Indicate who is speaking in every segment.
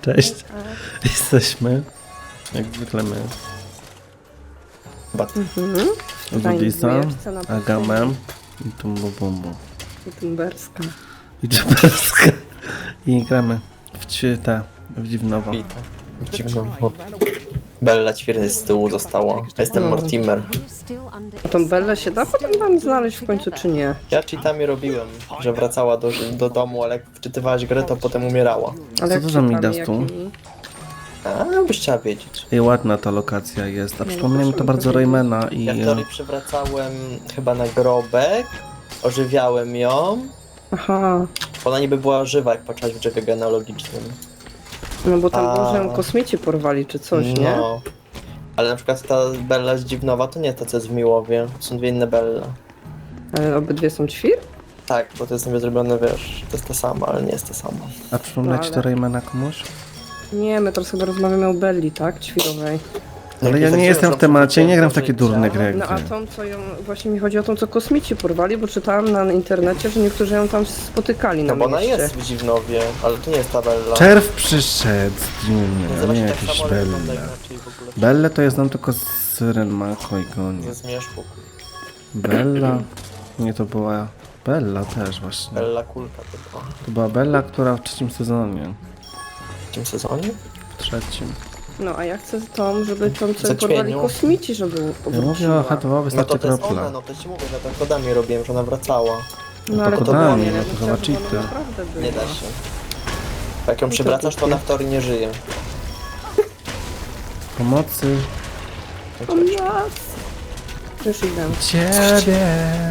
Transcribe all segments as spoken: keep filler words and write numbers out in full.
Speaker 1: Cześć. Jesteśmy, jak zwykle my,
Speaker 2: Mhm.
Speaker 1: z Udisa, Agamem i Tumbubumbu.
Speaker 2: I tumberska.
Speaker 1: I Dżeberska. I gramy w ćwitę, w dziwnowo.
Speaker 3: Dziwnowo. Bella ćwierny z tyłu została. Jestem
Speaker 2: No.
Speaker 3: Mortimer.
Speaker 2: A tą Bellę się da potem tam znaleźć w końcu, czy nie?
Speaker 3: Ja cheatami robiłem, że wracała do, do domu, ale jak wczytywałaś grę, to potem umierała.
Speaker 2: Ale
Speaker 1: Co
Speaker 2: jak
Speaker 1: to za
Speaker 2: czytamy,
Speaker 1: Midas tu?
Speaker 2: jakimi-
Speaker 3: A, byś chciała wiedzieć.
Speaker 1: I ładna ta lokacja jest, a
Speaker 2: No,
Speaker 1: przypomina mi to
Speaker 2: proszę
Speaker 1: bardzo
Speaker 2: mi
Speaker 1: Raymana i...
Speaker 3: Ja w teorii przywracałem chyba na grobek, ożywiałem ją.
Speaker 2: Aha,
Speaker 3: Ona niby była żywa, jak patrzyłaś w drzewie genealogicznym.
Speaker 2: no bo tam
Speaker 3: A.
Speaker 2: było, że ją kosmici porwali, czy coś, nie?
Speaker 3: No. Ale na przykład ta Bella z Dziwnowa to nie ta, co jest w Miłowie. To są dwie inne Belle.
Speaker 2: Ale obydwie są ćwir?
Speaker 3: Tak, bo to jest sobie zrobione, wiesz, to jest to samo, ale nie jest to samo.
Speaker 1: A przypomina ci
Speaker 2: No,
Speaker 1: to
Speaker 2: ale-
Speaker 1: Raymana komuś?
Speaker 2: Nie, my teraz chyba rozmawiamy o Belli, tak? Ćwirowej.
Speaker 1: Ale
Speaker 3: Jak
Speaker 1: ja
Speaker 3: jest
Speaker 1: nie
Speaker 3: tak,
Speaker 1: jestem
Speaker 3: że
Speaker 1: w temacie, nie gram w
Speaker 3: życia,
Speaker 1: takie durne gry jak
Speaker 2: No a
Speaker 1: wy.
Speaker 2: tą, co ją... Właśnie mi chodzi o tą, co kosmici porwali, bo czytałam na internecie, że niektórzy ją tam spotykali na
Speaker 3: No bo ona
Speaker 2: mieście.
Speaker 3: jest w Dziwnowie, ale to nie jest ta Bella.
Speaker 1: Czerw przyszedł z Dziwny, a
Speaker 3: Zobacz,
Speaker 1: nie
Speaker 3: tak
Speaker 1: jakiś
Speaker 3: samo, ale wygląda
Speaker 1: Belle.
Speaker 3: inaczej w ogóle.
Speaker 1: Belle to ja znam tylko z Renmako i Goni.
Speaker 3: Nie zmierzchu.
Speaker 1: Bella? Nie, to była Bella też właśnie.
Speaker 3: Bella Kulka tylko.
Speaker 1: To była Bella, która w trzecim sezonie.
Speaker 3: W tym sezonie?
Speaker 1: W trzecim.
Speaker 2: No a ja chcę tą, żeby tą, co
Speaker 3: Zaćmieniu.
Speaker 2: porwali kosmici, żeby
Speaker 1: Ja mówię
Speaker 2: powróciła.
Speaker 1: o H dwa,
Speaker 3: No
Speaker 1: wystarczy
Speaker 3: to to jest
Speaker 1: kropla.
Speaker 3: ona, no to ci mówię, że tak kodami robiłem, że ona wracała.
Speaker 2: No ale to
Speaker 1: kodami,
Speaker 2: było,
Speaker 1: no
Speaker 2: ja
Speaker 1: to
Speaker 2: bym
Speaker 1: chyba
Speaker 2: chciała, żeby
Speaker 1: cheaty.
Speaker 2: ona naprawdę była.
Speaker 3: Nie da się. Jak ją
Speaker 2: to
Speaker 3: przywracasz, to ona w teorii nie żyje.
Speaker 1: Pomocy
Speaker 2: O nas! Już idę.
Speaker 1: ciebie.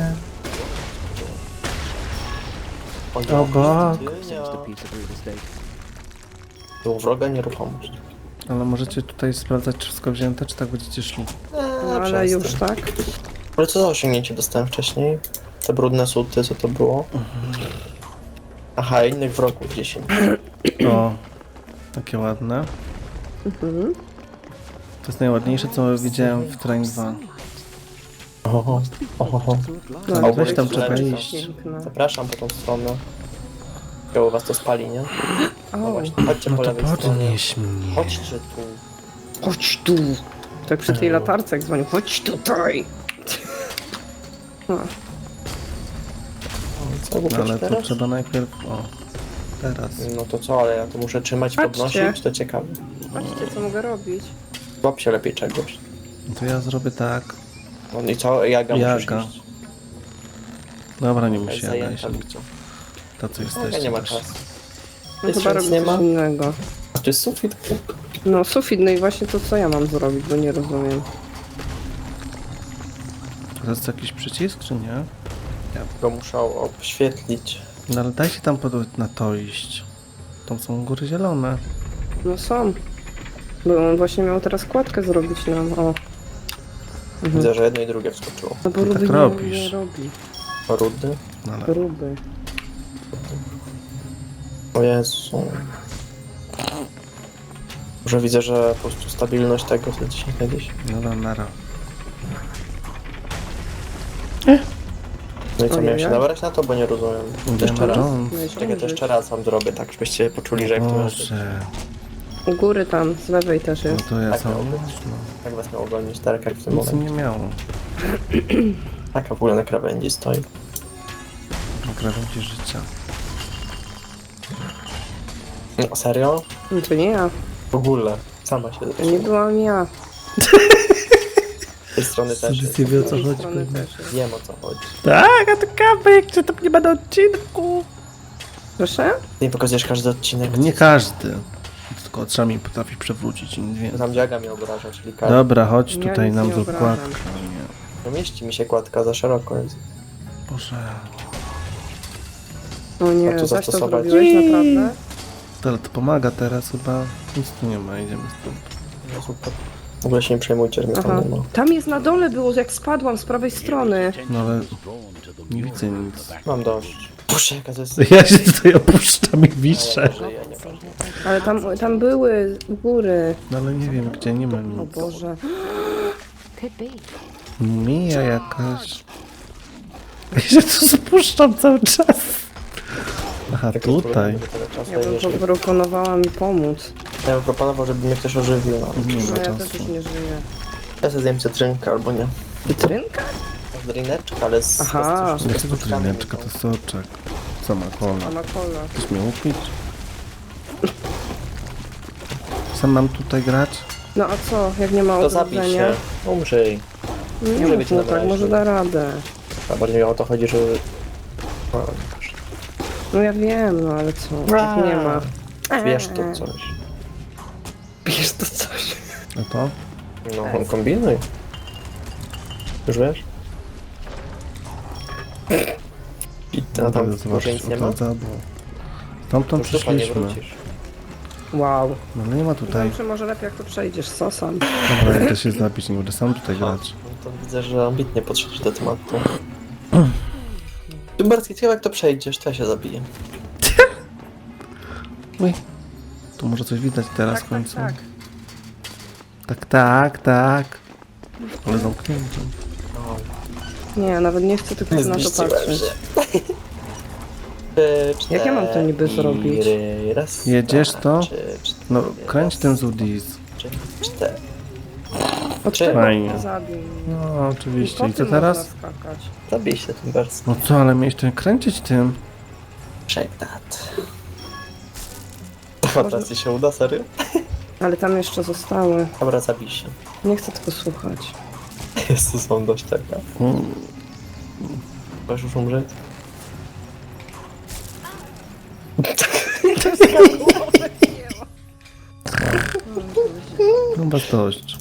Speaker 3: O,
Speaker 1: Obok.
Speaker 3: Był wroga nieruchomość.
Speaker 1: Ale możecie tutaj sprawdzać, czy wszystko wzięte, czy tak będziecie szli.
Speaker 3: Eee,
Speaker 2: No ale już tak.
Speaker 3: Ale co za osiągnięcie dostałem wcześniej? Te brudne suty, co to było? Aha, innych wrogów dziesięć.
Speaker 1: O, takie ładne.
Speaker 2: Mhm.
Speaker 1: To jest najładniejsze, co widziałem w Train dwa.
Speaker 3: Oho, oho.
Speaker 2: No,
Speaker 1: Ale
Speaker 3: A
Speaker 1: weź tam
Speaker 3: to
Speaker 1: trzeba
Speaker 3: leci.
Speaker 1: iść.
Speaker 2: Piękna.
Speaker 3: Zapraszam po tą stronę. Chyba u was to spali, nie? No
Speaker 2: O,
Speaker 3: właśnie, chodźcie
Speaker 1: No
Speaker 3: po
Speaker 1: to
Speaker 3: lewej stronie.
Speaker 1: podnieś mnie.
Speaker 3: Chodźcie tu.
Speaker 2: chodź tu! Tak przy tej latarce jak dzwonił, chodź tutaj! No,
Speaker 3: Co,
Speaker 1: No, ale to
Speaker 3: teraz?
Speaker 1: trzeba najpierw... O, teraz.
Speaker 3: No to co, ale ja to muszę trzymać,
Speaker 2: Patrzcie.
Speaker 3: podnosić, to ciekawe.
Speaker 2: patrzcie co mogę robić.
Speaker 3: Łap się lepiej czegoś.
Speaker 1: No to ja zrobię tak.
Speaker 3: No i co, Jaga musisz
Speaker 1: Jaga.
Speaker 3: iść.
Speaker 1: Dobra, nie
Speaker 3: Jest
Speaker 1: musi ja
Speaker 3: zajęta,
Speaker 1: iść.
Speaker 3: widzę.
Speaker 1: To co
Speaker 3: Ja
Speaker 1: jesteście
Speaker 3: nie ma
Speaker 1: też.
Speaker 3: czasu.
Speaker 2: No
Speaker 3: Jest
Speaker 2: chyba
Speaker 3: nic
Speaker 2: robię
Speaker 3: nie
Speaker 2: coś
Speaker 3: ma?
Speaker 2: innego.
Speaker 3: A tu jest sufit?
Speaker 2: No sufit, no i właśnie to co ja mam zrobić, bo nie rozumiem.
Speaker 1: To jest jakiś przycisk, czy nie?
Speaker 3: Ja go muszę obświetlić.
Speaker 1: No ale daj się tam pod... na to iść. Tam są góry zielone.
Speaker 2: No są. Bo on właśnie miał teraz kładkę zrobić nam, o. Mhm.
Speaker 3: Widzę, że jedno i drugie wskoczyło.
Speaker 2: No bo
Speaker 1: tak
Speaker 2: Ruby nie,
Speaker 1: robisz.
Speaker 2: nie robi.
Speaker 3: Rudy?
Speaker 1: No ale...
Speaker 2: Ruby.
Speaker 3: O Jezu. Może widzę, że po prostu stabilność tego zleci kiedyś.
Speaker 1: No dobra, nara.
Speaker 3: No i co,
Speaker 2: Ojej.
Speaker 3: miałem się nabrać na to, bo nie rozumiem. To jeszcze raz.
Speaker 1: Jones.
Speaker 2: No i
Speaker 3: Czekaj, to
Speaker 2: zdążyć.
Speaker 3: jeszcze raz wam zrobię, tak żebyście poczuli, że jak to jest.
Speaker 1: Boże.
Speaker 2: U góry tam, z lewej też
Speaker 1: No
Speaker 2: jest.
Speaker 1: to ja
Speaker 3: Tak
Speaker 1: sam...
Speaker 3: miało być.
Speaker 1: No.
Speaker 3: Jak was miało gonić, tak jak w tym
Speaker 1: Nic
Speaker 3: momencie.
Speaker 1: nie miało.
Speaker 3: Taka w ogóle na krawędzi stoi.
Speaker 1: Na krawędzi życia.
Speaker 3: No, serio?
Speaker 2: No to nie ja.
Speaker 3: W ogóle. Sama się
Speaker 2: To nie
Speaker 3: zresztą.
Speaker 2: byłam ja.
Speaker 3: Z tej strony też jest.
Speaker 1: Nie wie o
Speaker 2: Z
Speaker 1: co
Speaker 2: tej
Speaker 1: chodzi.
Speaker 2: strony
Speaker 1: pewnie.
Speaker 2: też jest.
Speaker 3: Wiem o co chodzi.
Speaker 1: Tak, a to kabek, czy to nie ma na odcinku?
Speaker 2: Proszę?
Speaker 3: Ty nie pokazujesz każdy odcinek.
Speaker 1: Nie każdy. Tylko oczami potrafi przewrócić i nic więcej.
Speaker 3: Tam dziaga mnie obraża, czyli każdy.
Speaker 1: Dobra, chodź
Speaker 2: Ja
Speaker 1: tutaj
Speaker 2: nic
Speaker 1: nam
Speaker 2: nie
Speaker 1: zrób
Speaker 2: obrażam.
Speaker 1: kładkę. Nie.
Speaker 3: No mieści mi się kładka, za szeroko jest.
Speaker 1: Boże.
Speaker 3: A
Speaker 2: O
Speaker 3: tu
Speaker 2: nie, zaś to
Speaker 3: zastosować.
Speaker 2: zrobiłeś naprawdę?
Speaker 1: To, ale to pomaga teraz chyba. Nic tu nie ma, idziemy stąd.
Speaker 3: No super. W ogóle się nie przejmujcie, że mnie
Speaker 2: Aha.
Speaker 3: tam nie ma.
Speaker 2: Tam jest na dole było, jak spadłam z prawej strony.
Speaker 1: No ale nie widzę nic.
Speaker 3: Mam dość. Boże, jaka to jest...
Speaker 1: Ja się tutaj opuszczam i
Speaker 3: A
Speaker 1: wiszę.
Speaker 3: ja nie żyję, nieważne.
Speaker 2: Ale tam, tam były u góry.
Speaker 1: No ale nie wiem gdzie, nie ma
Speaker 2: O
Speaker 1: nic.
Speaker 2: Boże.
Speaker 1: Mija jakaś. Ja się tu spuszczam cały czas. Aha,
Speaker 3: Tak jest
Speaker 1: tutaj.
Speaker 3: problem, że tyle czasu,
Speaker 2: Ja bym
Speaker 3: jeżeli-
Speaker 2: proponowała mi pomóc.
Speaker 3: Ja bym proponował, żeby mnie ktoś ożywił. No.
Speaker 1: Nie
Speaker 2: No
Speaker 1: ma
Speaker 2: ja też
Speaker 1: czasu.
Speaker 2: już nie żyję.
Speaker 3: Ja sobie zjem cytrynkę albo nie.
Speaker 2: Cytrynka?
Speaker 3: Drineczka, ale z...
Speaker 2: Aha.
Speaker 3: z, z, z,
Speaker 1: Dlaczego
Speaker 3: truskami,
Speaker 1: drineczka
Speaker 3: no.
Speaker 1: to soczek? Co ma kola?
Speaker 2: Sama kola.
Speaker 1: Chcesz mnie upić? Sam mam tutaj grać?
Speaker 2: No a co, jak nie ma
Speaker 3: To zabij
Speaker 2: odrodzenia?
Speaker 3: się. Umrzyj.
Speaker 2: Nie
Speaker 3: Może
Speaker 2: mów
Speaker 3: być
Speaker 2: mu
Speaker 3: na
Speaker 2: tak,
Speaker 3: razie.
Speaker 2: może da radę.
Speaker 3: A bardziej mi o to chodzi, że... No,
Speaker 2: No ja wiem, no ale co, tak nie ma.
Speaker 3: wiesz to coś.
Speaker 2: Bierz to coś.
Speaker 1: No to?
Speaker 3: No, on kombinuj. Już wiesz? I to tam
Speaker 1: Będę
Speaker 3: może nic nie ma?
Speaker 1: odzadu. Stamtąd
Speaker 3: Już dupa nie
Speaker 1: przyszliśmy.
Speaker 3: wrócisz.
Speaker 2: Wow.
Speaker 1: No ale nie ma tutaj.
Speaker 2: Dobrze, może lepiej jak tu przejdziesz, sosam.
Speaker 1: Dobra, ja też się zabić, nie będę sam tutaj
Speaker 3: Aha,
Speaker 1: grać.
Speaker 3: no to widzę, że ambitnie podszedłeś do tematu. Dymbarski, ciekawe jak to przejdziesz, to ja się zabiję.
Speaker 1: Uj. Tu może coś widać teraz w
Speaker 2: Tak, tak,
Speaker 1: końcu.
Speaker 2: tak.
Speaker 1: Tak, tak, tak. Ale zamknięcie.
Speaker 3: No,
Speaker 2: Nie, nawet nie chcę tylko
Speaker 3: nie
Speaker 2: na to
Speaker 3: zmieściłem
Speaker 2: patrzeć.
Speaker 3: się. Trzy, cztery,
Speaker 2: Jak ja mam to niby zrobić?
Speaker 3: Raz,
Speaker 1: Jedziesz
Speaker 3: dwa,
Speaker 1: to?
Speaker 3: trzy, cztery,
Speaker 1: No, kręć
Speaker 3: raz,
Speaker 1: ten Zudis.
Speaker 3: trzy, cztery.
Speaker 2: Od
Speaker 3: Czy-
Speaker 2: czego
Speaker 1: Fajnie.
Speaker 2: zabił mnie?
Speaker 1: No, oczywiście.
Speaker 2: Po
Speaker 1: I co
Speaker 2: tym
Speaker 1: teraz?
Speaker 2: można skakać.
Speaker 3: Zabij się Dymbarski.
Speaker 1: No co, ale miałeś ten kręcić tym.
Speaker 3: Shake that. Dobra, ci się uda, serio?
Speaker 2: Ale tam jeszcze zostały.
Speaker 3: Dobra, zabij się.
Speaker 2: Nie chcę tego słuchać.
Speaker 3: Jezus, mam dość tego.
Speaker 1: Mm,
Speaker 3: Chcesz już umrzeć?
Speaker 1: Chyba dość.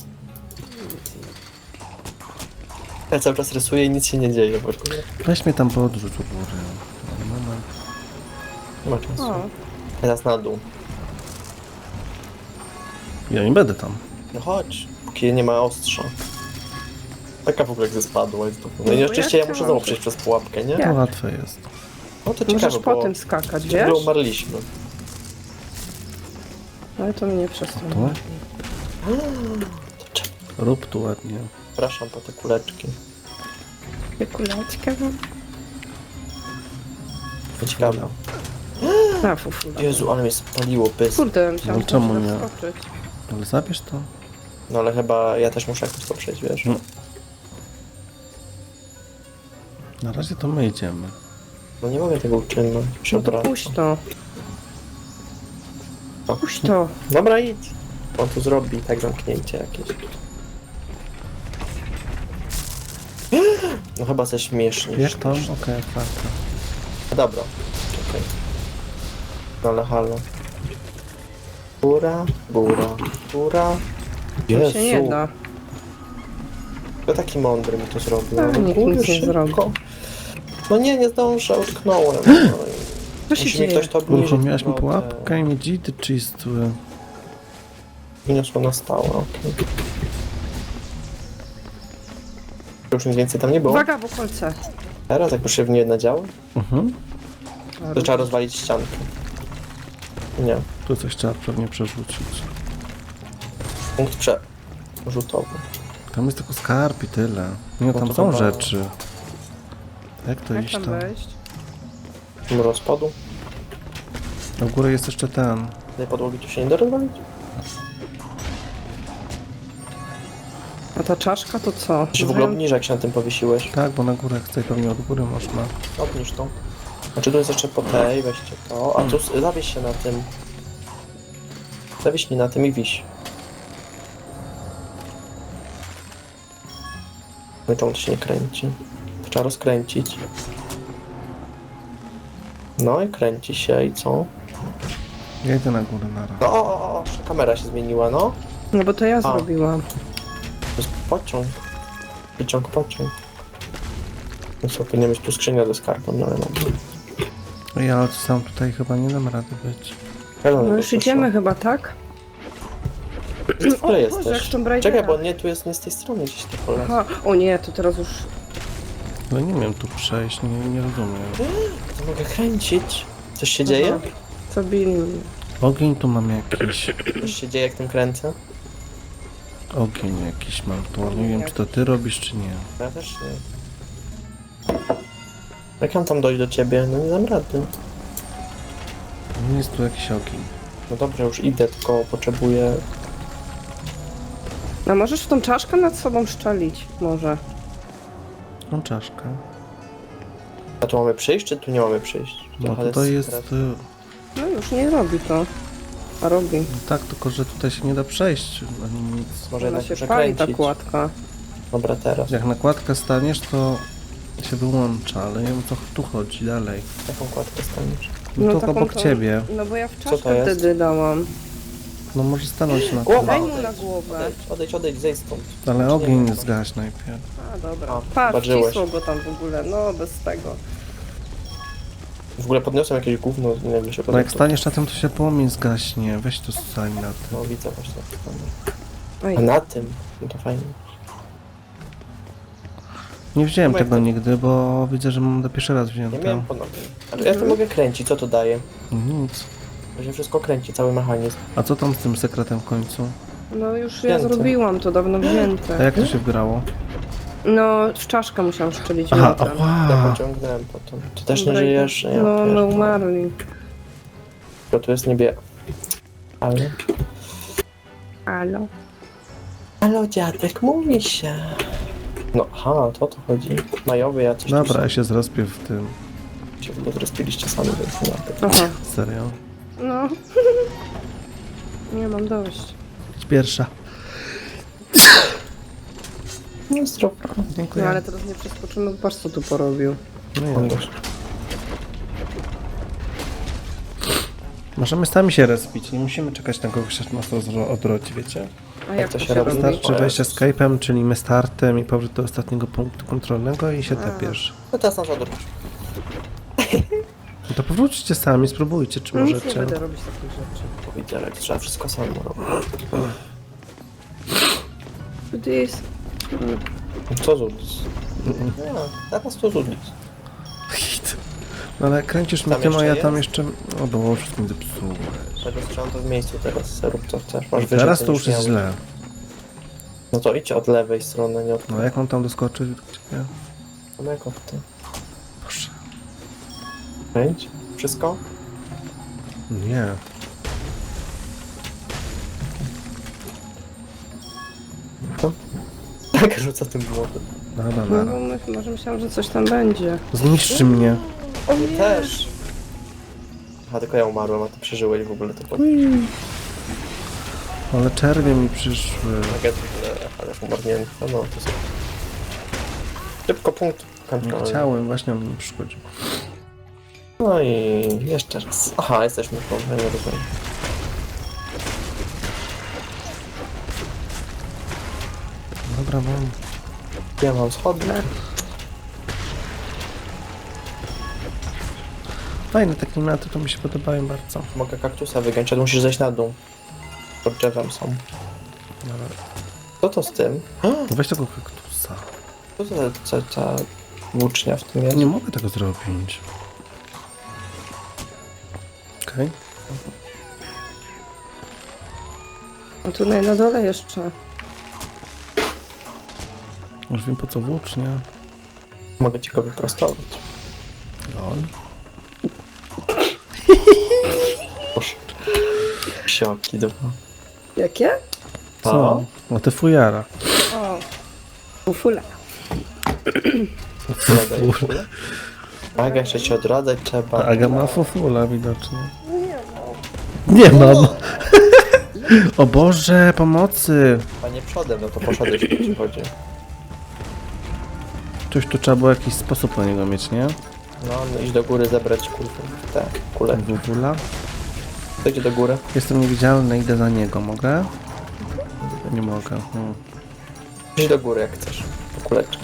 Speaker 3: Ja cały czas rysuję i nic się nie dzieje w ogóle.
Speaker 1: Weź mnie tam podrzuć u góry. Moment.
Speaker 3: Nie ma czasu.
Speaker 2: O,
Speaker 3: Teraz na dół.
Speaker 1: Ja nie będę tam.
Speaker 3: No chodź, póki nie ma ostrza. Taka w ogóle jak ze spadła jest to. No
Speaker 2: No
Speaker 3: i
Speaker 2: bo
Speaker 3: oczywiście
Speaker 2: ja
Speaker 3: ja muszę
Speaker 2: chciałam,
Speaker 3: znowu
Speaker 2: że-
Speaker 3: przejść przez pułapkę, nie?
Speaker 1: To
Speaker 2: Jak?
Speaker 1: łatwe jest.
Speaker 3: No to
Speaker 2: możesz
Speaker 3: ciekawe,
Speaker 2: po
Speaker 3: bo
Speaker 2: tym skakać,
Speaker 3: gdzie
Speaker 2: wiesz?
Speaker 3: umarliśmy.
Speaker 2: Ale to mnie nie przestanie.
Speaker 1: Tu?
Speaker 3: To czek-
Speaker 1: Rób tu ładnie.
Speaker 3: Przepraszam po te kuleczki.
Speaker 2: Kuleczkę mam.
Speaker 3: To ciekawe.
Speaker 2: A, fufula.
Speaker 3: Jezu, ale mnie spaliło pys.
Speaker 2: Kurde, musiałam
Speaker 1: No czemu
Speaker 2: się
Speaker 1: nie?
Speaker 2: wskoczyć.
Speaker 1: Ale zabierz to.
Speaker 3: No ale chyba ja też muszę jakoś to przejść, wiesz?
Speaker 1: No. Na razie to my idziemy.
Speaker 3: No nie mogę tego uczynić.
Speaker 2: No to
Speaker 3: Przepraszam.
Speaker 2: puść to.
Speaker 3: O.
Speaker 2: Puść to.
Speaker 3: Dobra, idź. On tu zrobi tak zamknięcie jakieś. No chyba ze śmiesznie.
Speaker 1: Wiesz to? Okej, okay, otwarte.
Speaker 3: Dobra, czekaj. No ale halo. Góra, góra, góra.
Speaker 2: To się nie
Speaker 3: Jezu,
Speaker 2: da.
Speaker 3: to taki mądry mi to zrobił.
Speaker 2: A,
Speaker 3: No,
Speaker 2: nikt
Speaker 3: kurde,
Speaker 2: nic nie
Speaker 3: szybko.
Speaker 2: zrobi.
Speaker 3: No nie, nie zdążę, utknąłem. No,
Speaker 2: Co się
Speaker 3: musi mi
Speaker 2: dzieje?
Speaker 3: ktoś to obniżyć.
Speaker 1: Uruchomiłaś mi
Speaker 3: no, te-
Speaker 1: pułapkę i mi dzidy czystły.
Speaker 3: Wyniosło na stałe, okej. Już nic więcej tam nie było?
Speaker 2: Uwaga, bo kolce.
Speaker 3: Teraz jak już się w nie nadziało,
Speaker 1: Mhm.
Speaker 3: to trzeba rozwalić ściankę. Nie,
Speaker 1: Tu coś trzeba pewnie przerzucić.
Speaker 3: punkt przerzutowy.
Speaker 1: Tam jest tylko skarb i tyle. Nie,
Speaker 3: No
Speaker 1: tam
Speaker 3: to
Speaker 1: są
Speaker 3: chyba-
Speaker 1: rzeczy. Jak to
Speaker 2: Jak
Speaker 1: iść
Speaker 2: tam
Speaker 1: tam?
Speaker 2: wejść?
Speaker 3: Do rozpadu.
Speaker 1: Na górę jest jeszcze ten.
Speaker 3: Tej podłogi tu się nie da rozwalić?
Speaker 2: A ta czaszka to co?
Speaker 3: Czy w ogóle obniżę, jak się na tym powiesiłeś?
Speaker 1: Tak, bo na górę chcę pewnie od góry można.
Speaker 3: Obniż to. Znaczy tu jest jeszcze po tej, weźcie to. A tu s- zawieś się na tym. Zawiśnij na tym i wiś. No i to się nie kręci. To trzeba rozkręcić. No i kręci się i co?
Speaker 1: Ja idę na górę na raz.
Speaker 3: No, o, o, o, kamera się zmieniła, no.
Speaker 2: No bo to ja zrobiłam.
Speaker 3: To jest pociąg. Wyciąg pociąg. No co, powinien być tu skrzynia ze skarbem, no ale no.
Speaker 1: Ej, ale sam tutaj chyba nie dam rady być.
Speaker 3: Hello,
Speaker 2: No już idziemy chyba, tak?
Speaker 3: W której
Speaker 2: O Boże,
Speaker 3: jesteś?
Speaker 2: jak Tomb Raidera.
Speaker 3: Czekaj, bo nie, tu jest nie z tej strony gdzieś to pole.
Speaker 2: Aha, o nie, to teraz już...
Speaker 1: Ale nie wiem tu przejść, nie, nie rozumiem.
Speaker 3: To mogę kręcić. Coś się dzieje?
Speaker 2: Aha. Zabili mnie.
Speaker 1: Ogień tu mam jakiś.
Speaker 3: Coś się dzieje, jak tym kręcę?
Speaker 1: Ogień jakiś mam tu. Nie wiem, czy to ty robisz, czy nie.
Speaker 3: Ja też nie. Jak mam tam dojść do ciebie? No nie dam rady.
Speaker 1: Nie jest tu jakiś ogień.
Speaker 3: No dobrze, już idę, tylko potrzebuję...
Speaker 2: A możesz w tą czaszkę nad sobą szczelić? Może.
Speaker 1: Mam czaszkę.
Speaker 3: A tu mamy przyjść, czy tu nie mamy przyjść?
Speaker 1: No
Speaker 3: Trochę
Speaker 1: tutaj jest...
Speaker 3: teraz-
Speaker 1: y,
Speaker 2: No już nie robi to. A robi.
Speaker 1: no tak, tylko że tutaj się nie da przejść ani nic.
Speaker 3: Może
Speaker 2: Ona
Speaker 3: jednak
Speaker 2: się
Speaker 3: muszę
Speaker 2: pali ta
Speaker 3: kręcić.
Speaker 2: kładka.
Speaker 3: Dobra, teraz.
Speaker 1: Jak na kładkę staniesz, to się wyłącza, ale nie wiem, co tu chodzi dalej.
Speaker 3: Jaką kładkę staniesz?
Speaker 1: No, to
Speaker 2: taką
Speaker 1: obok
Speaker 2: to-
Speaker 1: ciebie.
Speaker 2: No bo ja w
Speaker 3: to
Speaker 2: czaszkę
Speaker 3: jest?
Speaker 2: wtedy dałam.
Speaker 1: No może stanąć na
Speaker 3: Głowa!
Speaker 1: tym.
Speaker 2: Daj mu
Speaker 3: odejdź,
Speaker 2: na głowę.
Speaker 3: Odejdź, odejdź, odejdź, zejdź stąd.
Speaker 1: Ale
Speaker 3: Nie
Speaker 1: ogień
Speaker 3: wiem,
Speaker 1: zgaś najpierw.
Speaker 2: A dobra.
Speaker 3: A,
Speaker 2: Pa,
Speaker 3: zobaczyłeś.
Speaker 2: wcisło go tam w ogóle. No bez tego.
Speaker 3: W ogóle podniosłem jakieś gówno, nie wiem, się
Speaker 1: No jak
Speaker 3: podniosło.
Speaker 1: staniesz na tym, to się płomień zgaśnie. Weź tu stań na tym.
Speaker 3: No widzę właśnie.
Speaker 2: Oj.
Speaker 3: A na tym? No to fajnie.
Speaker 1: Nie wziąłem
Speaker 3: No jak
Speaker 1: tego
Speaker 3: to-
Speaker 1: nigdy, bo widzę, że mam do pierwszy raz
Speaker 3: Nie
Speaker 1: wzięte.
Speaker 3: miałem ponownie. Ale ja to mogę kręcić, co to daje?
Speaker 1: Nic.
Speaker 3: To się wszystko kręci, cały mechanizm.
Speaker 1: A co tam z tym sekretem w końcu?
Speaker 2: No już ja
Speaker 3: Wzięte.
Speaker 2: zrobiłam to dawno
Speaker 1: A
Speaker 2: wzięte.
Speaker 1: jak to się wgrało?
Speaker 2: No w czaszkę musiałam szczelić
Speaker 1: Aha,
Speaker 2: jądrem.
Speaker 3: Ja
Speaker 1: ała!
Speaker 3: pociągnąłem potem. Ty też nie
Speaker 2: Dobra,
Speaker 3: żyjesz? Ja
Speaker 2: No,
Speaker 3: też.
Speaker 2: no umarli.
Speaker 3: Bo tu jest niebie... Ale...
Speaker 2: Alo.
Speaker 3: Halo dziadek, mówi się. No, aha, to o to chodzi. Majowy jacyś tu
Speaker 1: Dobra,
Speaker 3: są.
Speaker 1: ja się zrespię w tym.
Speaker 3: Się w ogóle zrespiliście sami, więc nie ma tego.
Speaker 2: Aha.
Speaker 1: Serio.
Speaker 2: No. Nie mam dość.
Speaker 1: Idź pierwsza.
Speaker 3: No zdrowo.
Speaker 1: Dziękuję.
Speaker 2: No ale teraz nie przeskoczymy, patrz co tu porobił.
Speaker 1: No ja. Możemy sami się respić, nie musimy czekać na kogoś, aż nas to odrodzi, wiecie?
Speaker 2: A jak
Speaker 3: to
Speaker 2: to
Speaker 3: się
Speaker 2: się
Speaker 3: robi?
Speaker 2: robi?
Speaker 1: Wystarczy
Speaker 3: O
Speaker 1: wejście
Speaker 3: Jezus.
Speaker 1: Skype'em, czyli my startem i powrót do ostatniego punktu kontrolnego i się
Speaker 2: A.
Speaker 1: tepiesz.
Speaker 3: No teraz nas odwróć.
Speaker 1: No to powróćcie sami, spróbujcie, czy
Speaker 2: No nic nie
Speaker 1: możecie.
Speaker 2: będę robić takich rzeczy.
Speaker 3: Powiedziałem, jak trzeba wszystko samemu robić.
Speaker 2: This.
Speaker 3: Co zudzić? Nie, teraz to zudzić.
Speaker 1: Hit. No ale kręcisz mi
Speaker 3: Tam
Speaker 1: tym, a
Speaker 3: jeszcze
Speaker 1: ja tam
Speaker 3: jest?
Speaker 1: jeszcze... O, bo wszystkim zepsułem.
Speaker 3: Tego strzelam to w miejscu teraz, rób co chcesz. Masz wyżej,
Speaker 1: Teraz
Speaker 3: co
Speaker 1: to
Speaker 3: niż
Speaker 1: już jest
Speaker 3: miałem.
Speaker 1: źle.
Speaker 3: No to idź od lewej strony, nie od
Speaker 1: No jak mam tam doskoczyć? Nie?
Speaker 3: No jak od ty?
Speaker 1: Proszę.
Speaker 3: Kręć? Wszystko?
Speaker 1: Nie.
Speaker 3: To? Tak, rzuca tym młodym.
Speaker 1: Dobra,
Speaker 2: No
Speaker 1: dobra.
Speaker 2: bo my, może myślałam, że coś tam będzie.
Speaker 1: Zniszczy mnie.
Speaker 2: O
Speaker 3: Ty też! Aha, tylko ja umarłem, a ty przeżyłeś w ogóle to pod...
Speaker 1: Ale czerwie mi przyszły.
Speaker 3: Nugget, ale umarnięty. No, no, to sobie. Szybko punkt
Speaker 1: Nie
Speaker 3: kontrolny.
Speaker 1: chciałem, właśnie on mi przychodził.
Speaker 3: No i jeszcze raz. Aha, jesteśmy w ja nie rozumiem.
Speaker 1: Dobra, mam.
Speaker 3: Ja mam schodne.
Speaker 1: Fajne te klimaty, to mi się podobają bardzo.
Speaker 3: Mogę kaktusa wygiąć, ale musisz zejść na dół. Pod drzewem są.
Speaker 1: Dobra.
Speaker 3: Co to z tym?
Speaker 1: Weź tego kaktusa.
Speaker 3: Co to za, za, za włócznia w tym jest?
Speaker 1: Nie mogę tego zrobić. Okej.
Speaker 2: A tutaj na dole jeszcze.
Speaker 1: Już wiem po co włócznia.
Speaker 3: Mogę ci go wyprostować.
Speaker 1: Lol.
Speaker 3: Proszę. Psioki, dobra.
Speaker 2: Jakie?
Speaker 1: Co? No te fujara.
Speaker 2: O. Ufula.
Speaker 3: Fula. Fula. Aga, jeszcze się odradzać trzeba.
Speaker 1: Aga ma fufula widocznie. Nie mam. O Boże, pomocy.
Speaker 3: A nie przodem, no to poszedłeś, jeśli ci chodzi.
Speaker 1: Coś tu trzeba było jakiś sposób na niego mieć, nie?
Speaker 3: No, no iść do góry, zebrać kulkę. Tak, kulę.
Speaker 1: Fufula.
Speaker 3: To idzie do góry.
Speaker 1: Jestem niewidzialny, idę za niego. Mogę? Nie mogę. Hmm.
Speaker 3: Idź do góry, jak chcesz. Po kuleczkę.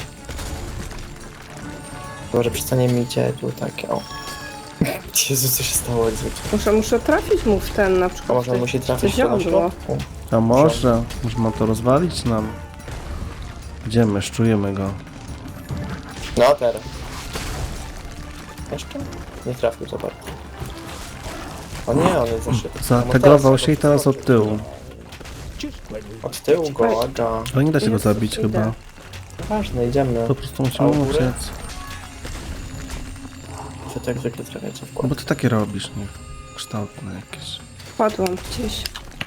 Speaker 3: Może przestanie mi cię tu takie, o. Jezu, co się stało jak zwykle.
Speaker 2: Muszę, muszę trafić mu w ten na przykład.
Speaker 3: A może on
Speaker 2: w
Speaker 3: musi
Speaker 2: te-
Speaker 3: trafić
Speaker 2: te
Speaker 3: tu na
Speaker 2: ziodło.
Speaker 3: środku?
Speaker 1: A może? Może ma to rozwalić nam? Idziemy, szczujemy go.
Speaker 3: No, teraz. Jeszcze? Nie trafił za bardzo. O nie, on jest za szybki.
Speaker 1: Zategował się i teraz od tyłu.
Speaker 3: Od tyłu go, Aga.
Speaker 1: Ale nie da się go
Speaker 2: Jezus,
Speaker 1: zabić
Speaker 2: idę.
Speaker 1: chyba.
Speaker 3: Ważne, idziemy.
Speaker 1: Po prostu
Speaker 3: A
Speaker 1: musimy
Speaker 3: u góry?
Speaker 1: uciec.
Speaker 3: Wy to jak zwykle trafiacie w
Speaker 1: No
Speaker 3: głowę.
Speaker 1: bo ty takie robisz, nie? kształtne jakieś.
Speaker 2: Wpadłam gdzieś.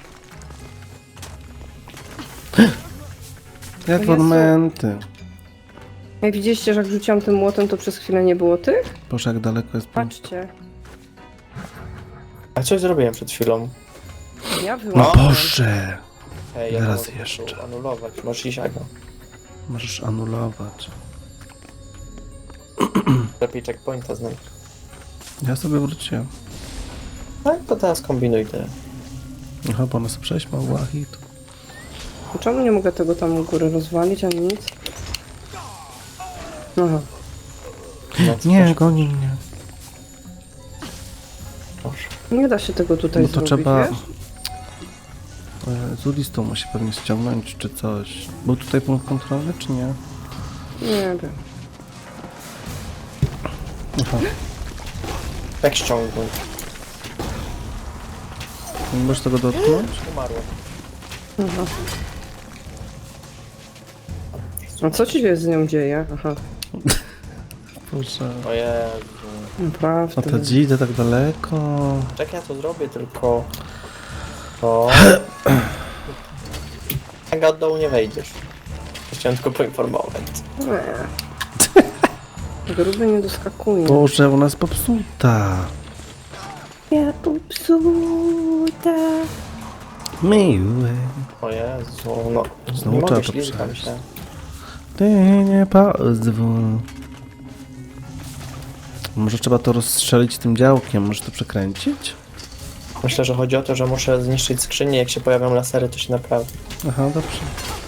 Speaker 1: Jak
Speaker 2: Jezu.
Speaker 1: ornamenty.
Speaker 2: Jak widzieliście, że jak rzuciłam tym młotem, to przez chwilę nie było tych?
Speaker 1: Boże, jak daleko jest punkt.
Speaker 2: Patrzcie.
Speaker 3: A coś zrobiłem przed chwilą.
Speaker 2: Ja
Speaker 1: No
Speaker 2: wyłączyłam.
Speaker 1: Boże!
Speaker 3: Hej, ja
Speaker 1: Teraz
Speaker 3: mogę
Speaker 1: jeszcze.
Speaker 3: tu anulować. Możesz iść, Aga.
Speaker 1: Możesz anulować.
Speaker 3: Lepiej checkpointa znajdź.
Speaker 1: Ja sobie wróciłem.
Speaker 3: Tak, to teraz kombinuj te.
Speaker 1: Aha, bo ona sobie przejść mogła hit.
Speaker 2: Czemu nie mogę tego tam u góry rozwalić, ani nic? Aha.
Speaker 3: No, co
Speaker 1: Nie,
Speaker 3: też-
Speaker 1: goni mnie.
Speaker 3: Proszę.
Speaker 2: Nie da się tego tutaj
Speaker 1: No to
Speaker 2: zrobić,
Speaker 1: trzeba...
Speaker 2: wiesz?
Speaker 1: E, Z listą musi pewnie ściągnąć, czy coś. Był tutaj punkt kontrolny, czy nie?
Speaker 2: Nie wiem.
Speaker 1: Aha.
Speaker 3: Jak ściągnąć?
Speaker 1: Nie możesz tego dotknąć?
Speaker 3: Umarło.
Speaker 2: Aha. A co ci się z nią dzieje? Aha.
Speaker 1: Boże.
Speaker 3: O Jezu.
Speaker 2: Naprawdę.
Speaker 1: A to idę tak daleko.
Speaker 3: Czekaj, ja to zrobię, tylko... O. Aga, od dołu nie wejdziesz. Chciałem tylko poinformować.
Speaker 2: Nie. Gruby nie doskakuje.
Speaker 1: Boże, ona jest popsuta.
Speaker 2: Ja popsuta.
Speaker 1: Miły.
Speaker 3: O Jezu, no.
Speaker 1: Znowu
Speaker 3: nie
Speaker 1: trzeba
Speaker 3: mogę,
Speaker 1: to
Speaker 3: ślizgam
Speaker 1: przejść.
Speaker 3: się.
Speaker 1: Ty nie pozwól. Może trzeba to rozstrzelić tym działkiem, może to przekręcić?
Speaker 3: Myślę, że chodzi o to, że muszę zniszczyć skrzynię, jak się pojawią lasery, to się naprawi.
Speaker 1: Aha, dobrze.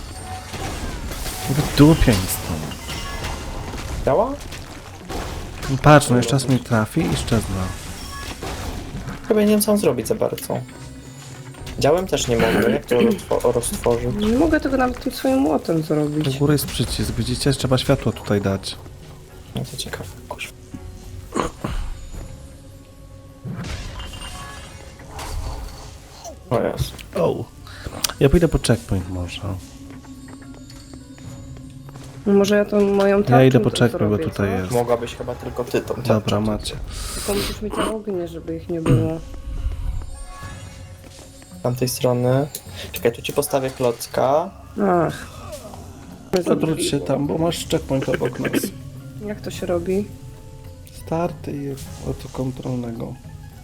Speaker 1: Wydupień stąd.
Speaker 3: Działa?
Speaker 1: Patrz, no jeszcze raz mi trafi i szczezna.
Speaker 3: Chyba nie wiem, co mam zrobić za bardzo. Działem też nie mogę, jak to roztwo- roztworzyć?
Speaker 2: Nie mogę tego nawet tym swoim młotem
Speaker 1: Do
Speaker 2: zrobić.
Speaker 1: góry jest przycisk, widzicie? Trzeba światło tutaj dać.
Speaker 3: No to ciekawe, kuźwa. O Jezu.
Speaker 1: O. Ja pójdę po checkpoint może.
Speaker 2: No może ja tą moją tarczą
Speaker 1: Ja idę po
Speaker 2: to
Speaker 1: checkpoint, bo
Speaker 2: zrobię,
Speaker 1: tutaj
Speaker 2: co?
Speaker 1: jest.
Speaker 3: Mogłabyś chyba tylko ty tą
Speaker 1: Dobra,
Speaker 3: tarczą.
Speaker 1: macie.
Speaker 2: Tylko musisz mieć ognie, żeby ich nie było.
Speaker 3: Z tamtej strony. Czekaj, tu ci postawię klocka.
Speaker 2: Ach.
Speaker 1: Odwróć się tam, bo masz checkpoint obok nas.
Speaker 2: Jak to się robi?
Speaker 1: Starty i od kontrolnego.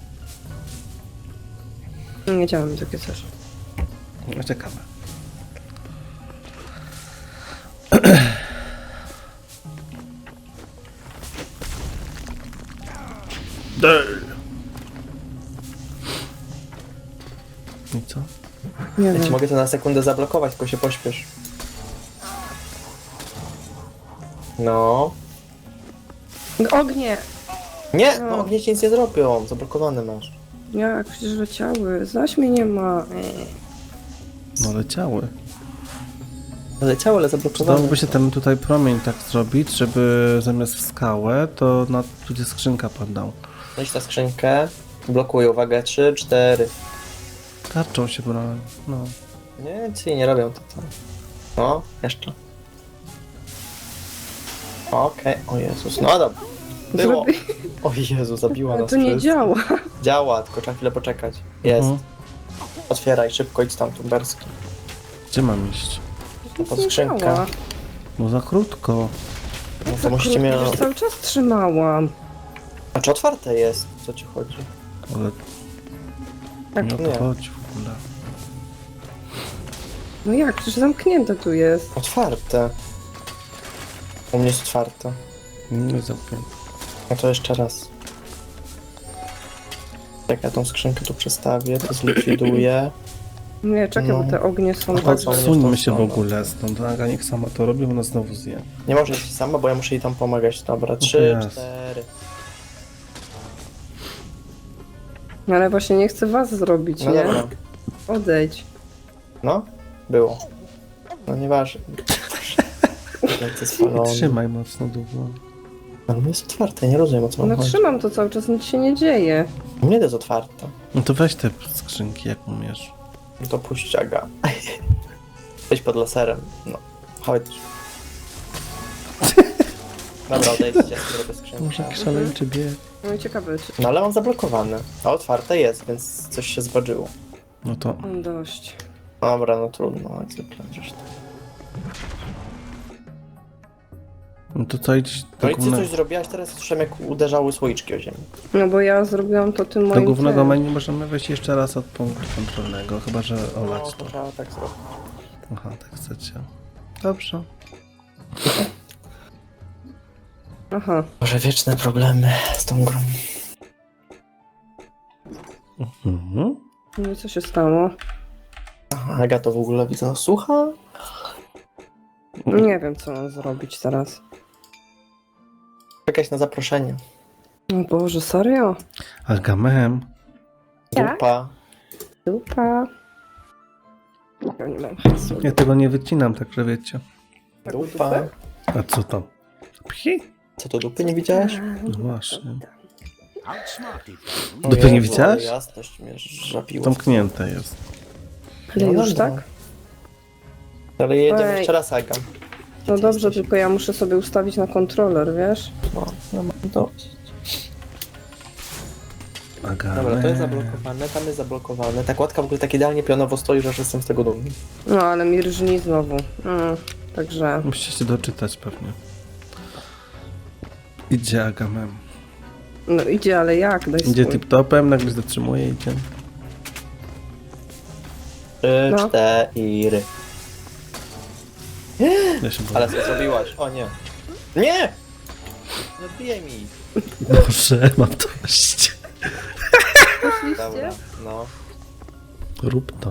Speaker 2: Nie działam takie coś.
Speaker 1: No, czekamy. I co?
Speaker 2: Nie
Speaker 3: Ja ci
Speaker 2: wiem.
Speaker 3: mogę to na sekundę zablokować, tylko się pośpiesz. No.
Speaker 2: Ognie!
Speaker 3: Nie!
Speaker 2: No.
Speaker 3: No ognie ci nic nie zrobią. Zablokowane masz.
Speaker 2: Jak przecież leciały. Zaś mnie nie ma.
Speaker 1: No leciały.
Speaker 3: Leciało, ale zablokowane.
Speaker 1: Przydałoby się ten tutaj promień tak zrobić, żeby zamiast w skałę, to na tu gdzie skrzynka padał.
Speaker 3: Weź na skrzynkę. Blokuję, uwaga, trzy, cztery.
Speaker 1: Tarczą się brałem. No.
Speaker 3: Nie, ci nie robią to tam. No, jeszcze. Okej, o Jezus, no dobra. Było.
Speaker 2: Zrobi...
Speaker 3: O Jezu, zabiła
Speaker 2: Ale
Speaker 3: nas
Speaker 2: to nie
Speaker 3: wszystkich.
Speaker 2: działa.
Speaker 3: Działa, tylko trzeba chwilę poczekać. Jest.
Speaker 1: Mhm.
Speaker 3: Otwieraj, szybko idź tam, tumberski.
Speaker 1: Gdzie mam iść?
Speaker 2: Nic
Speaker 3: Pod
Speaker 2: nie
Speaker 3: skrzynkę.
Speaker 2: działa.
Speaker 1: No za krótko.
Speaker 3: No
Speaker 2: Za
Speaker 3: to musicie
Speaker 2: krótko,
Speaker 3: mieć...
Speaker 2: już cały czas trzymałam.
Speaker 3: A czy otwarte jest? Co ci chodzi?
Speaker 1: Ale
Speaker 2: Tak,
Speaker 1: nie o
Speaker 3: nie.
Speaker 1: to chodzi w ogóle.
Speaker 2: no jak? Przecież zamknięte tu jest.
Speaker 3: Otwarte. U mnie jest otwarte.
Speaker 1: Nie jest zamknięte.
Speaker 3: No to jeszcze raz. Jak ja tą skrzynkę tu przestawię, to zlikwiduję.
Speaker 2: Nie, czekaj,
Speaker 3: No.
Speaker 2: bo te ognie są
Speaker 3: No
Speaker 2: tak...
Speaker 3: to co?
Speaker 1: Odsuńmy się w
Speaker 3: stronę.
Speaker 1: ogóle stąd. Aga niech sama to robi, ona znowu zje.
Speaker 3: Nie może iść sama, bo ja muszę jej tam pomagać. Dobra,
Speaker 1: to
Speaker 3: trzy,
Speaker 1: jest.
Speaker 3: cztery.
Speaker 2: Ale właśnie nie chcę was zrobić,
Speaker 3: No
Speaker 2: nie?
Speaker 3: dobra.
Speaker 2: Odejdź.
Speaker 3: No, było. No nieważne. Lecę spalony.
Speaker 1: Trzymaj mocno długo.
Speaker 3: Ale jest otwarte, nie rozumiem o co
Speaker 2: No
Speaker 3: mam chodzi.
Speaker 2: trzymam to cały czas, nic się nie dzieje.
Speaker 3: U mnie to jest otwarte.
Speaker 1: No to weź te skrzynki jak umiesz.
Speaker 3: No to puść Aga. Weź pod laserem. No, chodź. Dobra, odejdźcie, zrobię skrzynkę.
Speaker 1: Może szaleńczy bieg.
Speaker 2: No i ciekawe, czy...
Speaker 3: No ale mam zablokowane. A otwarte jest, więc coś się zważyło.
Speaker 1: No to
Speaker 2: Mam dość.
Speaker 3: Dobra, no trudno, jak zwykle zresztą.
Speaker 1: No to co idź
Speaker 3: No
Speaker 1: do
Speaker 3: i ty
Speaker 1: głównego,
Speaker 3: coś zrobiłaś teraz? Słyszałem jak uderzały słoiczki o ziemię.
Speaker 2: No bo ja zrobiłam to tym
Speaker 1: do
Speaker 2: moim
Speaker 1: głównego
Speaker 2: tym.
Speaker 1: menu możemy wejść jeszcze raz od punktu kontrolnego, chyba że olać
Speaker 3: No,
Speaker 1: to.
Speaker 3: to trzeba tak zrobić.
Speaker 1: Aha, tak chcecie. Dobrze.
Speaker 2: Aha.
Speaker 3: Może wieczne problemy z tą grą.
Speaker 1: Mhm.
Speaker 2: No i co się stało?
Speaker 3: Aha, Aga to w ogóle widzę, słucha?
Speaker 2: Nie wiem, co mam zrobić teraz.
Speaker 3: Czekać na zaproszenie.
Speaker 2: O Boże, serio?
Speaker 1: Agamem.
Speaker 2: Tak?
Speaker 3: Dupa.
Speaker 2: Dupa. Ja nie mam hasła.
Speaker 1: Ja tego nie wycinam, także wiecie.
Speaker 2: Taką
Speaker 3: Dupa.
Speaker 2: dupę?
Speaker 1: A co tam? Pchi?
Speaker 3: Co to dupy nie widziałeś?
Speaker 1: No właśnie.
Speaker 3: O
Speaker 1: Dupy nie
Speaker 3: Jezu,
Speaker 1: widziałeś?
Speaker 3: ale Jasność mnie żapiło.
Speaker 1: Zamknięte jest.
Speaker 2: Ale
Speaker 3: No
Speaker 2: już
Speaker 3: dobra.
Speaker 2: tak?
Speaker 3: Ale jedziemy
Speaker 2: Ej.
Speaker 3: jeszcze raz, Aga.
Speaker 2: No
Speaker 3: Ty
Speaker 2: dobrze,
Speaker 3: jesteś?
Speaker 2: tylko ja muszę sobie ustawić na kontroler, wiesz?
Speaker 3: No, no mam to.
Speaker 1: Agamem.
Speaker 3: Dobra, to jest zablokowane, tam jest zablokowane. Ta kładka w ogóle tak idealnie pionowo stoi, że aż jestem z tego dumny.
Speaker 2: No ale mi rżni znowu. Mm, także...
Speaker 1: Musicie się doczytać pewnie. Idzie Agamem.
Speaker 2: No idzie, ale jak? Daj
Speaker 1: Idzie
Speaker 2: spój.
Speaker 1: tip-topem, nagle zatrzymuje i idzie.
Speaker 3: Trzy,
Speaker 2: No.
Speaker 3: cztery.
Speaker 1: Ja się boję.
Speaker 3: Ale co zrobiłaś? O nie. Nie! Nie odbijaj mi.
Speaker 1: Boże, mam dość.
Speaker 3: Dobra, no.
Speaker 1: Rób to.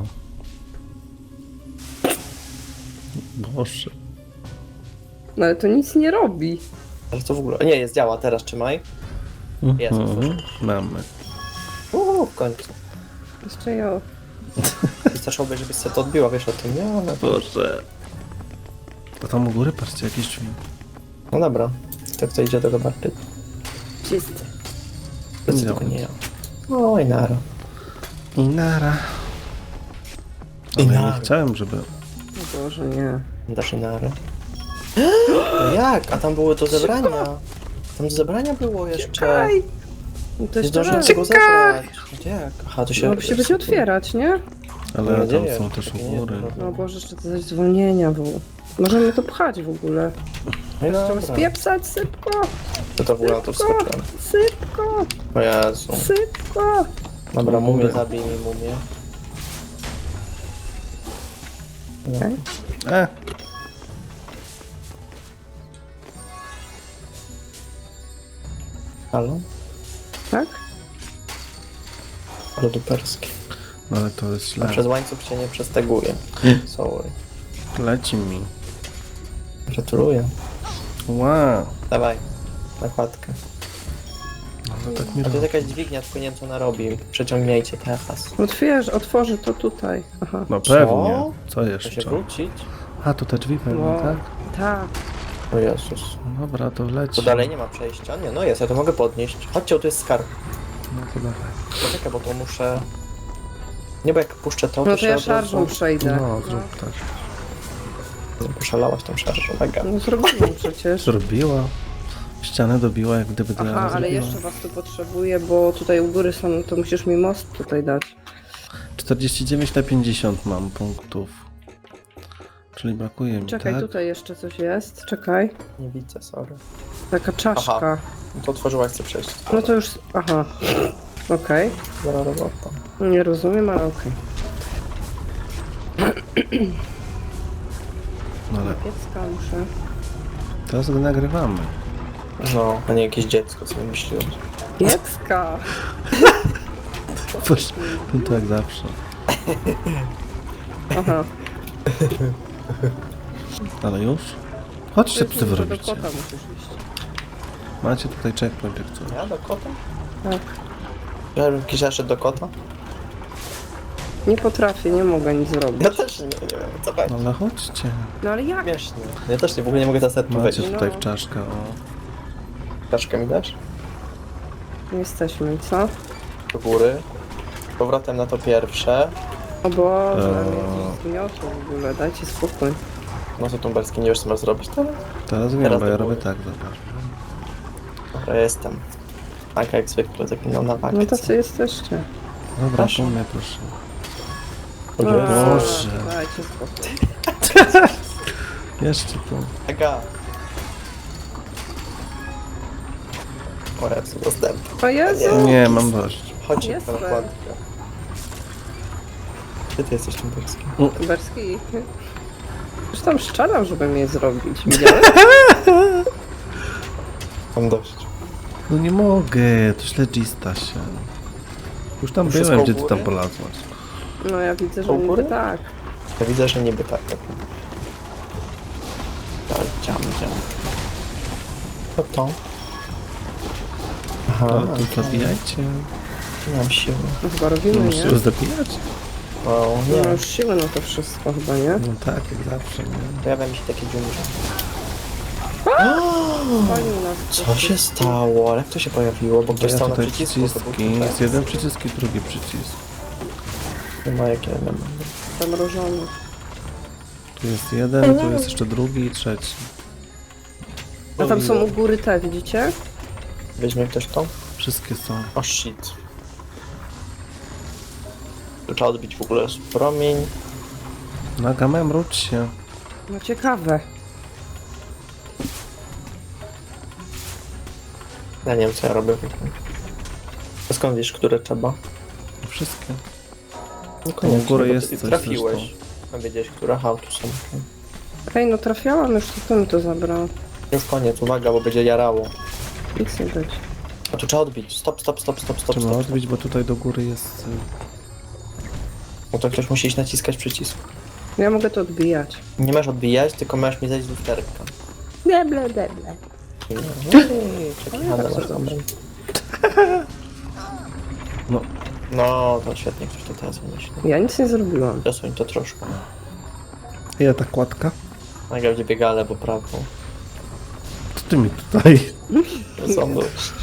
Speaker 1: Boże.
Speaker 2: No ale to nic nie robi.
Speaker 3: Ale co w ogóle? Nie, jest, działa, teraz trzymaj. Jest,
Speaker 1: Mhm.
Speaker 3: otworzyłem.
Speaker 1: Mamy.
Speaker 3: Uuu, w końcu.
Speaker 2: Jeszcze ja...
Speaker 3: I zacząłby, żebyś sobie to odbiła, wiesz o tym, nie? Ale...
Speaker 1: Boże. A tam u góry, patrzcie, jakieś drzwi.
Speaker 3: No dobra, to kto idzie do zobaczyć?
Speaker 2: Czysty.
Speaker 3: Zdecydowanie nie ja. Oj, nara.
Speaker 1: I nara.
Speaker 3: I
Speaker 1: Ale ja
Speaker 3: nara.
Speaker 1: nie chciałem, żeby...
Speaker 2: O Boże, nie.
Speaker 3: Dasz i nary. No jak? A tam było do zebrania. Tam do zebrania było jeszcze.
Speaker 2: Czekaj! No to
Speaker 3: Nie
Speaker 2: jeszcze
Speaker 3: zdążyłem
Speaker 2: raz.
Speaker 3: tego zebrać. Gdzie jak? Aha, to się...
Speaker 2: No się będzie otwierać, nie?
Speaker 1: Ale
Speaker 3: Nie
Speaker 1: tam
Speaker 3: dzieje.
Speaker 1: są też u
Speaker 3: Nie,
Speaker 1: góry.
Speaker 3: no.
Speaker 2: No Boże, jeszcze to zaś zwolnienia było. Możemy to pchać w ogóle.
Speaker 3: No i
Speaker 2: Trzeba
Speaker 3: dobra.
Speaker 2: spiepsać, sypko!
Speaker 3: To to w ogóle na to
Speaker 2: Sypko!
Speaker 3: wskoczyłem.
Speaker 2: Sypko!
Speaker 3: O Jezu.
Speaker 2: Sypko!
Speaker 3: Dobra, mumię
Speaker 1: Góry.
Speaker 3: zabij mi mumię.
Speaker 2: Okej.
Speaker 1: E!
Speaker 3: Halo?
Speaker 2: Tak?
Speaker 3: Ale duperskie.
Speaker 1: No ale to jest
Speaker 3: A
Speaker 1: źle.
Speaker 3: przez łańcuch się nie przesteguje. Sorry.
Speaker 1: Leci mi.
Speaker 3: Gratuluję.
Speaker 1: Wow.
Speaker 3: Dawaj. Nakładkę.
Speaker 1: Ale tak mi
Speaker 3: A to
Speaker 1: robi.
Speaker 3: jest jakaś dźwignia, tylko nie wiem co ona robi. Przeciągnijcie teraz.
Speaker 2: Otwierz, otworzy to tutaj. Aha.
Speaker 1: No
Speaker 3: Co?
Speaker 1: pewnie. Co
Speaker 3: To się
Speaker 1: jeszcze?
Speaker 3: wrócić?
Speaker 1: A, to te drzwi pewnie,
Speaker 2: No.
Speaker 1: tak?
Speaker 2: Tak.
Speaker 3: O Jezus.
Speaker 1: No dobra, to leci.
Speaker 3: To dalej nie ma przejścia? Nie, no jest, ja to mogę podnieść. Chodźcie, tu jest skarb.
Speaker 1: No to dawaj.
Speaker 3: Poczekaj, bo to muszę... Nie, bo jak puszczę to,
Speaker 2: No to
Speaker 3: się
Speaker 2: ja
Speaker 3: od razu-
Speaker 2: szarżą przejdę.
Speaker 1: No, zrób tak.
Speaker 3: Poszalałaś tą szarżą, mega.
Speaker 2: No zrobiłam przecież.
Speaker 1: Zrobiła. Ścianę dobiła, jak gdyby dla
Speaker 2: Aha, ale jeszcze was tu potrzebuję, bo tutaj u góry są, to musisz mi most tutaj dać.
Speaker 1: czterdzieści dziewięć na pięćdziesiąt mam punktów. Czyli brakuje mi,
Speaker 2: Czekaj,
Speaker 1: tak?
Speaker 2: tutaj jeszcze coś jest. Czekaj.
Speaker 3: Nie widzę, sorry.
Speaker 2: Taka czaszka.
Speaker 3: Aha. No to otworzyłaś, chcę przejść.
Speaker 2: No to już... Aha. Okej.
Speaker 3: Dobra robota.
Speaker 2: Nie rozumiem, ale okej.
Speaker 1: No ale
Speaker 2: Piecka muszę.
Speaker 1: teraz go nagrywamy.
Speaker 3: No, a nie jakieś dziecko, sobie myśliłem.
Speaker 2: Piecka!
Speaker 1: Boże, no to jak zawsze.
Speaker 2: Aha.
Speaker 1: Ale już? Chodźcie, co wy
Speaker 2: Do
Speaker 1: robicie.
Speaker 2: kota musisz iść.
Speaker 1: Macie tutaj checkpoint, jak coś.
Speaker 3: Ja do kota?
Speaker 2: Tak.
Speaker 3: Ja bym jakiś zaszedł do kota?
Speaker 2: Nie potrafię, nie mogę nic zrobić.
Speaker 3: Ja też nie, nie wiem, co będzie.
Speaker 1: No ale chodźcie.
Speaker 2: No ale jak?
Speaker 3: Śmiesznie. Ja też nie, w ogóle nie mogę teraz nawet
Speaker 1: Macie
Speaker 3: powiedzieć.
Speaker 1: tutaj
Speaker 2: No.
Speaker 1: w czaszkę, o.
Speaker 3: Czaszkę mi dasz?
Speaker 2: Jesteśmy, co?
Speaker 3: Do góry. Z powrotem na to pierwsze.
Speaker 2: O Boże,
Speaker 1: Eee.
Speaker 2: mnie coś zgniotło w ogóle, dajcie spokój.
Speaker 3: No to tumberski, nie wiesz co masz zrobić teraz?
Speaker 1: Teraz wiem,
Speaker 3: Teraz
Speaker 1: bo ja
Speaker 3: do
Speaker 1: robię
Speaker 3: góry.
Speaker 1: tak, zobacz.
Speaker 3: Ja jestem. Tak jak zwykle, zaginął na
Speaker 2: No
Speaker 3: wakacje.
Speaker 2: tacy jesteście.
Speaker 1: Dobra,
Speaker 3: Proszę.
Speaker 1: po mnie proszę.
Speaker 3: Dobrze.
Speaker 1: Boże.
Speaker 2: Dajcie spokój.
Speaker 1: Jeszcze tu.
Speaker 3: Aga. O, ja tu dostęp.
Speaker 2: O Jezu!
Speaker 1: Nie, mam dość.
Speaker 3: Chodźcie,
Speaker 2: Jestem.
Speaker 3: parapłatka. Gdzie ty jesteś, Tymberski?
Speaker 2: Berski. Już tam szczerał, żeby mnie zrobić. Widziałeś?
Speaker 3: Mam dość.
Speaker 1: No nie mogę, to źle dzista się. Już tam
Speaker 3: Wszystko
Speaker 1: byłem,
Speaker 3: u
Speaker 1: gdzie ty
Speaker 3: góry?
Speaker 1: tam polazłaś.
Speaker 2: No ja widzę, że
Speaker 3: Po
Speaker 2: niby
Speaker 3: górę?
Speaker 2: tak.
Speaker 3: Ja widzę, że niby tak. tak. Tak, dziam, dziam. Co to? Aha,
Speaker 1: No, to zabijajcie.
Speaker 3: nie mam siły.
Speaker 2: No chyba robimy, nie?
Speaker 1: Musisz zabijać?
Speaker 3: O,
Speaker 2: No
Speaker 3: nie.
Speaker 2: już siły na to wszystko chyba, nie?
Speaker 1: No tak, jak zawsze, nie?
Speaker 3: Pojawia mi się takie dżungże.
Speaker 2: Palił nas.
Speaker 3: Co się stało? Ale jak to się pojawiło? Bo ktoś
Speaker 1: Ja
Speaker 3: stał na
Speaker 1: tutaj
Speaker 3: przycisku. To był
Speaker 1: przyciski,
Speaker 3: tutaj.
Speaker 1: jest jeden przycisk i drugi przycisk.
Speaker 3: Nie ma jakie elementy.
Speaker 2: Zamrożony.
Speaker 1: Tu jest jeden, tu jest jeszcze drugi i trzeci.
Speaker 2: A tam są u góry te, widzicie?
Speaker 3: Weźmie ktoś to?
Speaker 1: Wszystkie są.
Speaker 3: O shit. Tu trzeba odbić w ogóle promień.
Speaker 1: Nagame, mruć się.
Speaker 2: No ciekawe.
Speaker 3: Ja nie wiem co ja robię. A skąd wiesz, które trzeba?
Speaker 1: Wszystkie.
Speaker 3: No
Speaker 1: U góry
Speaker 3: bo
Speaker 1: jest
Speaker 3: ty
Speaker 1: coś
Speaker 3: trafiłeś. A wiedziałeś, które? Aha, tu są.
Speaker 2: Ej, no trafiałam już, to kto mi to zabrał?
Speaker 3: Już koniec, uwaga, bo będzie jarało.
Speaker 2: Nic nie być.
Speaker 3: A tu trzeba odbić. Stop, stop, stop, stop, stop,
Speaker 1: Trzeba
Speaker 3: stop.
Speaker 1: odbić, bo tutaj do góry jest... y,
Speaker 3: No to ktoś musi iść naciskać przycisk.
Speaker 2: Ja mogę to odbijać.
Speaker 3: Nie masz odbijać, tylko masz mi zejść z lusterka.
Speaker 2: Deble, deble.
Speaker 3: Ej, Przekichane
Speaker 2: tak
Speaker 3: masz
Speaker 2: sobie
Speaker 3: dobre.
Speaker 1: No,
Speaker 3: No, to świetnie, ktoś to teraz wymyślił.
Speaker 2: Ja nic nie zrobiłam.
Speaker 3: Przesuń to troszkę.
Speaker 1: ile ta kładka?
Speaker 3: Naga będzie biega lewo, prawo.
Speaker 1: Co ty mi tutaj?
Speaker 3: Sądu.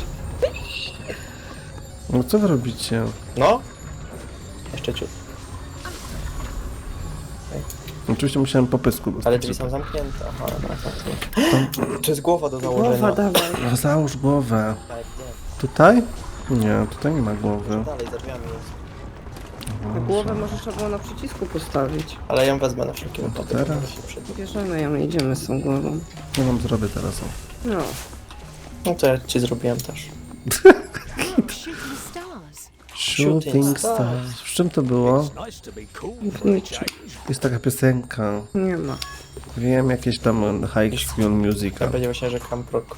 Speaker 1: No co wy robicie?
Speaker 3: No? Jeszcze ciut.
Speaker 1: Oczywiście musiałem po pysku dostać.
Speaker 3: Ale drzwi są zamknięte. Aha, dobra, zamknięte. To jest głowa do założenia.
Speaker 2: Głowa dawaj.
Speaker 1: No, załóż głowę.
Speaker 3: Tak, nie.
Speaker 1: Tutaj? Nie, tutaj nie ma głowy.
Speaker 3: Dalej, za drzwiami jest.
Speaker 2: Na głowę może trzeba było na przycisku postawić.
Speaker 3: Ale ja ją wezmę na wszelki wypadek.
Speaker 1: teraz?
Speaker 3: żeby się przyda.
Speaker 2: Bierzemy ją i idziemy z tą głową.
Speaker 1: Ja wam zrobię teraz. O.
Speaker 2: No.
Speaker 3: No to ja ci zrobiłem też.
Speaker 4: Shooting stars.
Speaker 1: Shooting Stars. W czym to było?
Speaker 2: W niczym.
Speaker 1: Jest taka piosenka.
Speaker 2: Nie ma.
Speaker 1: Wiem, jakieś tam High School
Speaker 3: Ja
Speaker 1: Musical.
Speaker 3: będzie właśnie, że Camprok.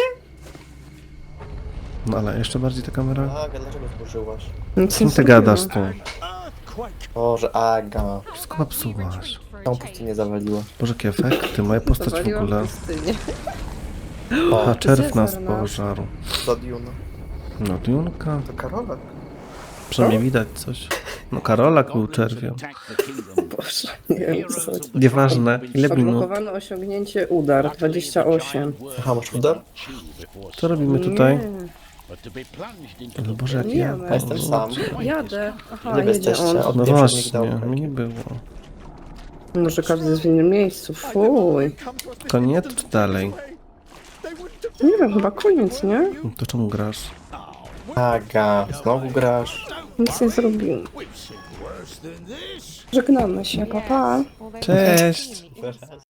Speaker 1: No ale jeszcze bardziej ta kamera.
Speaker 3: Aga, dlaczego zburzyłaś?
Speaker 2: Nic
Speaker 1: Z kim
Speaker 2: nie
Speaker 1: ty gadasz
Speaker 2: zrobiłam.
Speaker 1: tu?
Speaker 3: Boże, Aga.
Speaker 1: Wszystko popsułaś.
Speaker 3: Tą pustynię zawaliła.
Speaker 1: Boże, jakie efekty. Moja postać w
Speaker 2: Zawaliłam
Speaker 1: ogóle.
Speaker 2: pustynię.
Speaker 1: A czerw nas
Speaker 2: Cezar nasz.
Speaker 1: pożarł.
Speaker 3: Do Duna.
Speaker 1: No, Dunka.
Speaker 3: To Karola.
Speaker 1: Przynajmniej widać coś. No, Karolak był czerwią.
Speaker 2: Boże, nie wiem co chodzi.
Speaker 1: Nieważne. Ile minut?
Speaker 2: Odblokowane osiągnięcie udar dwadzieścia osiem.
Speaker 3: Aha, masz udar?
Speaker 1: Co robimy tutaj?
Speaker 2: Nie,
Speaker 1: No Boże, jak
Speaker 2: Nie
Speaker 1: ja...
Speaker 2: ma.
Speaker 3: Ja jestem sam.
Speaker 2: jadę. Aha,
Speaker 3: Nie
Speaker 2: jedzie
Speaker 3: jesteście.
Speaker 2: on.
Speaker 3: Od
Speaker 1: No
Speaker 3: poprzednich
Speaker 1: właśnie,
Speaker 3: dałek.
Speaker 1: mnie nie było.
Speaker 2: Może każdy jest w innym miejscu. Fuj.
Speaker 1: Koniec czy dalej?
Speaker 2: Nie wiem, chyba koniec, nie?
Speaker 1: No to czemu grasz?
Speaker 3: Aga, znowu grasz.
Speaker 2: Nic nie zrobiłem. Żegnamy się, papa. Pa.
Speaker 1: Cześć!
Speaker 3: Teraz.